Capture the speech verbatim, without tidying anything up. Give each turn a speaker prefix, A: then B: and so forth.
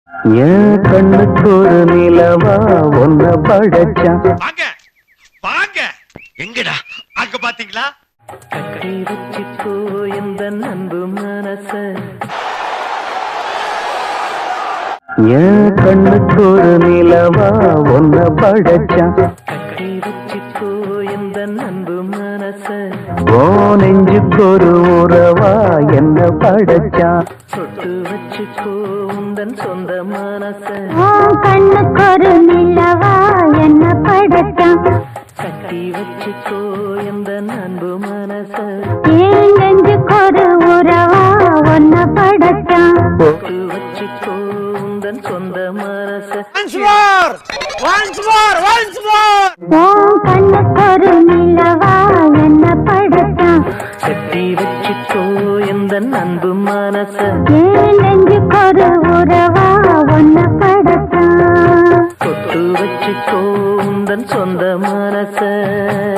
A: என் கண்ணுக்கு ஒரு நிலவா ஒன்ன படைச்சான்.
B: வாங்க வாங்க, எங்கடா அங்க பாத்தீங்களா?
A: கட்டி வச்சுக்கோ இந்த அன்பு மனச, என் கண்ணுக்கு ஒரு நிலவா ஒன்ன படைச்சான். கட்டி வச்சுக்கோ இந்த அன்பு மனச, ஓ நெஞ்சுக்கு ஒரு உறவா என்ன படைச்சான். சொட்டு வச்சுக்கோ உந்தன் சொந்த மனச,
C: கண்ணுக்கு ஒரு நிலவா என்ன படைச்சான்.
A: கட்டி வச்சுக்கோ இந்த அன்பு மனச,
C: ஏன் நெஞ்சுக்கு ஒரு உறவா ஒன்ன படைச்சான்.
A: சொட்டு வச்சுக்கோ உந்தன் சொந்த மனச.
C: கண்ணுக்கு ஒரு நிலவா என்ன படைச்சான்.
A: கட்டி வச்சுக்கோ இந்த அன்பு மனச,
C: ஏன் நெஞ்சுக்கு ஒரு உறவா ஒன்ன படைச்சான்.
A: சொட்டு வச்சுக்கோ உந்தன் சொந்த மனச.